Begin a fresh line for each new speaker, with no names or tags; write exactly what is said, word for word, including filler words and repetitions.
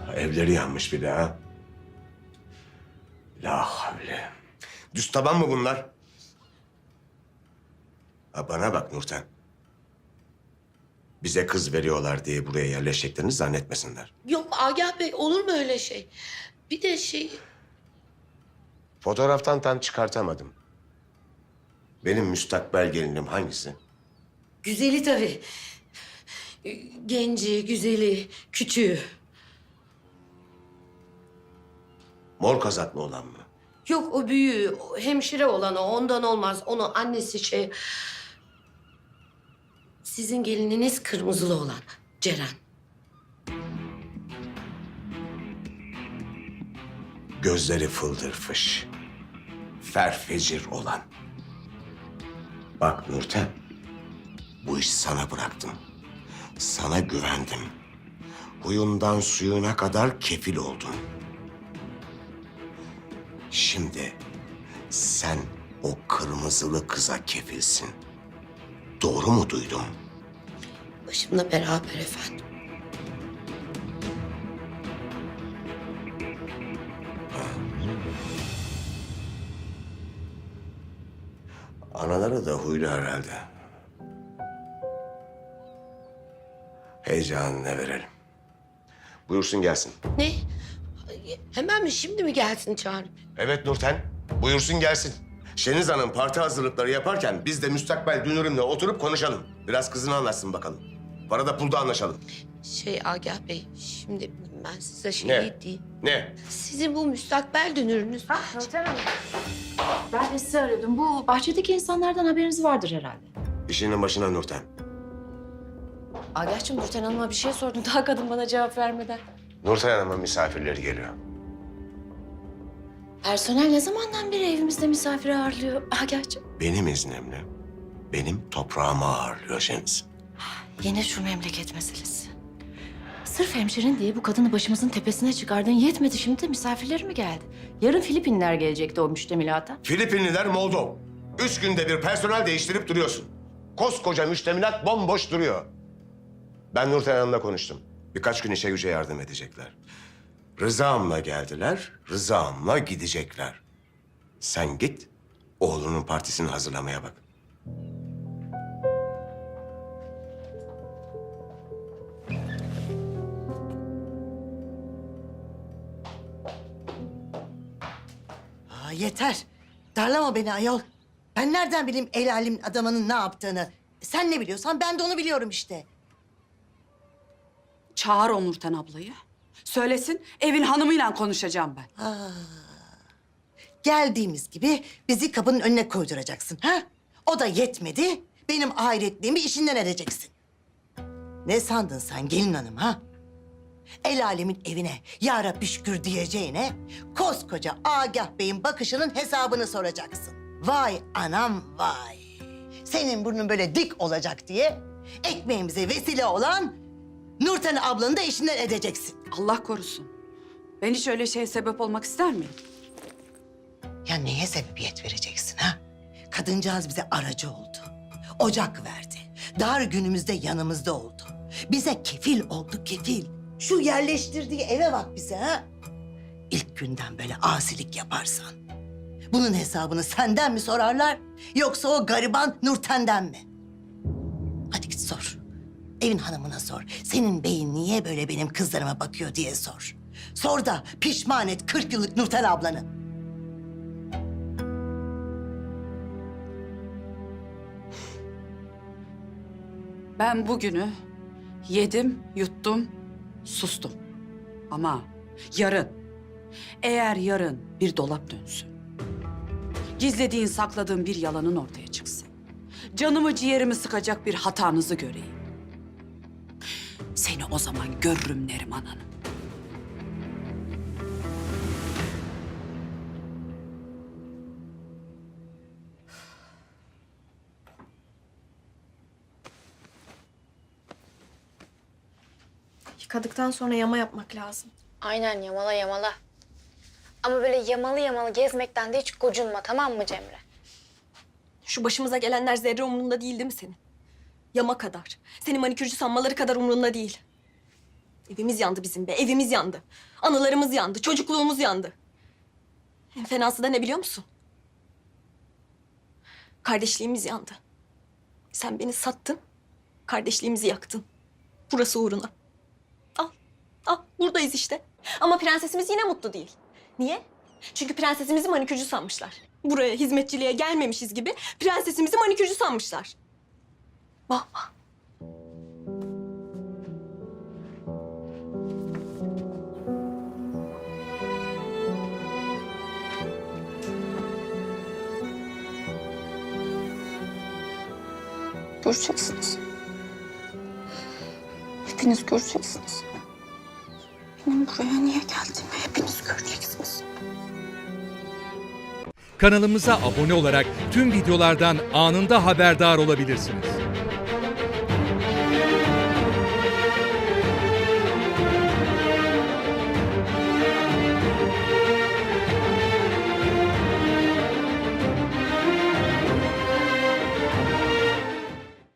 Evleri yanmış bir de ha. La havle. Düz taban mı bunlar? Ha bana bak Nurten. Bize kız veriyorlar diye buraya yerleşeceklerini zannetmesinler.
Yok Agah Bey, olur mu öyle şey? Bir de şey...
Fotoğraftan tam çıkartamadım. Benim müstakbel gelinim hangisi?
Güzeli tabii. Genci, güzeli, küçüğü.
Mor kazaklı olan mı?
Yok o büyüğü, o hemşire olan o. Ondan olmaz. Onu annesi şey... Sizin gelininiz kırmızılı olan Ceren.
Gözleri fıldır fış. Ferfecir olan. Bak Nurten, bu işi sana bıraktım. Sana güvendim. Huyundan suyuna kadar kefil oldun. Şimdi sen o kırmızılı kıza kefilsin. Doğru mu duydum?
Başımla beraber efendim.
Anaları da huylu herhalde. Heyecanına verelim. Buyursun gelsin.
Ne? Hemen mi, şimdi mi gelsin çağırıp?
Evet Nurten, buyursun gelsin. Şeniz Hanım parti hazırlıkları yaparken biz de müstakbel dünürümle oturup konuşalım. Biraz kızını anlatsın bakalım. Parada pulda anlaşalım.
Şey Agah Bey, şimdi ben size şey
Ne?
diyeyim.
Ne?
Sizin bu müstakbel dünürünüz...
Nurten Hanım. Ben de sizi arıyordum. Bu bahçedeki insanlardan haberiniz vardır herhalde.
İşinin başına Nurten.
Agah'cığım Nurten Hanım'a bir şey sordum. Daha kadın bana cevap vermeden.
Nurten Hanım'ın misafirleri geliyor.
Personel ne zamandan beri evimizde misafir ağırlıyor Agah'cığım?
Benim iznimle, benim toprağıma ağırlıyor Şeniz.
Yine şu memleket meselesi. Sırf hemşerin diye bu kadını başımızın tepesine çıkardın. Yetmedi, şimdi de misafirleri mi geldi? Yarın Filipinler gelecekti o müştemilata.
Filipinliler Moldov. Üç günde bir personel değiştirip duruyorsun. Koskoca müştemilat bomboş duruyor. Ben Nurten Hanım'la konuştum. Birkaç gün işe güce yardım edecekler. Rızamla geldiler, rızamla gidecekler. Sen git, oğlunun partisini hazırlamaya bak.
Aa, yeter. Darlama beni ayol. Ben nereden bileyim el alem adamının ne yaptığını? Sen ne biliyorsan ben de onu biliyorum işte.
Çağır o Nurten ablayı. Söylesin, evin hanımıyla konuşacağım ben.
Geldiğimiz gibi bizi kapının önüne koyduracaksın ha? O da yetmedi. Benim ahiretliğimi işinden edeceksin. Ne sandın sen gelin hanım ha? El alemin evine ya Rabbi şükür diyeceğine koskoca Agah Bey'in bakışının hesabını soracaksın. Vay anam vay. Senin burnun böyle dik olacak diye ekmeğimize vesile olan Nurten ablanı da işinden edeceksin.
Allah korusun. Ben hiç öyle şeye sebep olmak ister miyim?
Ya neye sebebiyet vereceksin ha? Kadıncağız bize aracı oldu. Ocak verdi. Dar günümüzde yanımızda oldu. Bize kefil oldu kefil. Şu yerleştirdiği eve bak bize ha. İlk günden böyle asilik yaparsan bunun hesabını senden mi sorarlar yoksa o gariban Nurten'den mi? Hadi git sor. Evin hanımına sor. Senin beyin niye böyle benim kızlarıma bakıyor diye sor. Sor da pişman et kırk yıllık Nurten ablanı.
Ben bugünü yedim, yuttum, sustum. Ama yarın, eğer yarın bir dolap dönsün, gizlediğin, sakladığın bir yalanın ortaya çıksın, canımı ciğerimi sıkacak bir hatanızı göreyim, seni o zaman görürüm Neriman Hanım.
Yıkadıktan sonra yama yapmak lazım.
Aynen yamala yamala. Ama böyle yamalı yamalı gezmekten de hiç gocunma, tamam mı Cemre?
Şu başımıza gelenler zerre umurunda değil değil mi senin? Yama kadar. Seni manikürcü sanmaları kadar umurunda değil. Evimiz yandı bizim be, evimiz yandı. Anılarımız yandı, çocukluğumuz yandı. En fenası da ne biliyor musun? Kardeşliğimiz yandı. Sen beni sattın, kardeşliğimizi yaktın. Burası uğruna. Al, al buradayız işte. Ama prensesimiz yine mutlu değil. Niye? Çünkü prensesimizi manikürcü sanmışlar. Buraya hizmetçiliğe gelmemişiz gibi prensesimizi manikürcü sanmışlar. Vah vah.
Göreceksiniz. Hepiniz göreceksiniz. Benim buraya niye geldiğimi hepiniz göreceksiniz.
Kanalımıza abone olarak tüm videolardan anında haberdar olabilirsiniz.